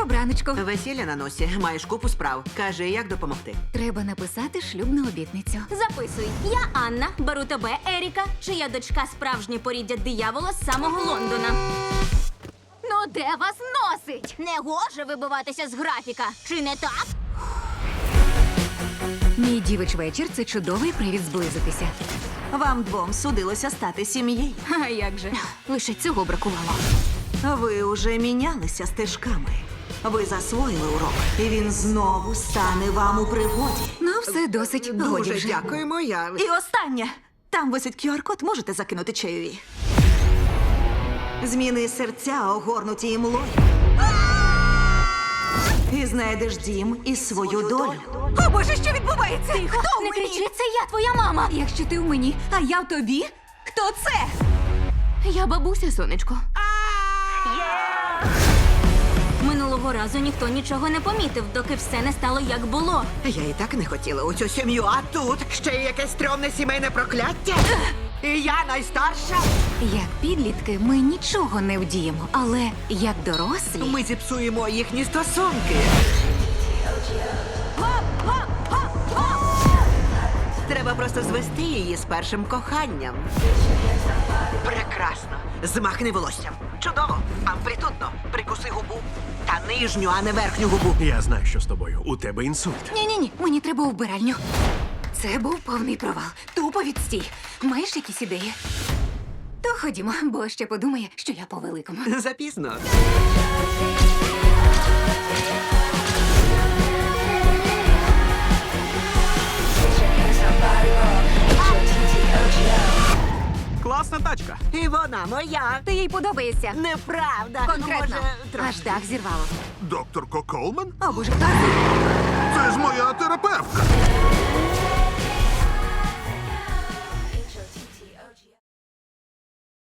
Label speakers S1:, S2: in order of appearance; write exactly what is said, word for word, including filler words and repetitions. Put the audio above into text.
S1: Добраночку.
S2: Весілля на носі, маєш купу справ. Кажи, як допомогти.
S1: Треба написати шлюбну обітницю.
S3: Записуй. Я Анна, беру тебе, Еріка, чия дочка справжнє поріддя диявола з самого Лондона.
S1: Ну де вас носить?
S3: Не гоже вибиватися з графіка, чи не так?
S1: Мій дівич вечір – це чудовий привід зблизитися.
S2: Вам двом судилося стати сім'єю.
S1: А як же? Лише цього бракувало.
S2: Ви уже мінялися стежками. Ви засвоїли урок, і він знову стане вам у пригоді.
S1: Ну, все досить. Годі
S2: Дуже
S1: вже.
S2: дякуємо, я. І останнє. Там висить кю ар-код, можете закинути чайові. Зміни серця, огорнуті імлою. І знайдеш дім і свою долю.
S1: О, Боже, що відбувається? Ти хто
S3: Не кричи, це я, твоя мама!
S1: Якщо ти в мені, а я в тобі, хто це?
S3: Я бабуся, сонечко. Минулого разу ніхто нічого не помітив, доки все не стало як було.
S2: Я і так не хотіла у цю сім'ю, а тут ще й якесь стрьомне сімейне прокляття. І я найстарша.
S1: Як підлітки ми нічого не вдіємо, але як дорослі...
S2: Ми зіпсуємо їхні стосунки. Треба просто звести її з першим коханням. Прекрасно. Змахни волоссям. Чудово. Амплітудно. Прикуси губу. Та нижню, а не верхню губу.
S4: Я знаю, що з тобою. У тебе інсульт.
S1: Ні-ні-ні, мені треба у вбиральню. Це був повний провал. Тупо відстій. Маєш якісь ідеї? То ходімо, бо ще подумає, що я по великому.
S2: Запізно.
S4: Класна тачка.
S2: І вона моя.
S1: Ти їй подобаєшся.
S2: Неправда.
S1: Конкретно.
S2: Може, трохи.
S1: Аж дах зірвало.
S5: Доктор Колман?
S1: О, Боже,
S5: Це ж моя терапевтка.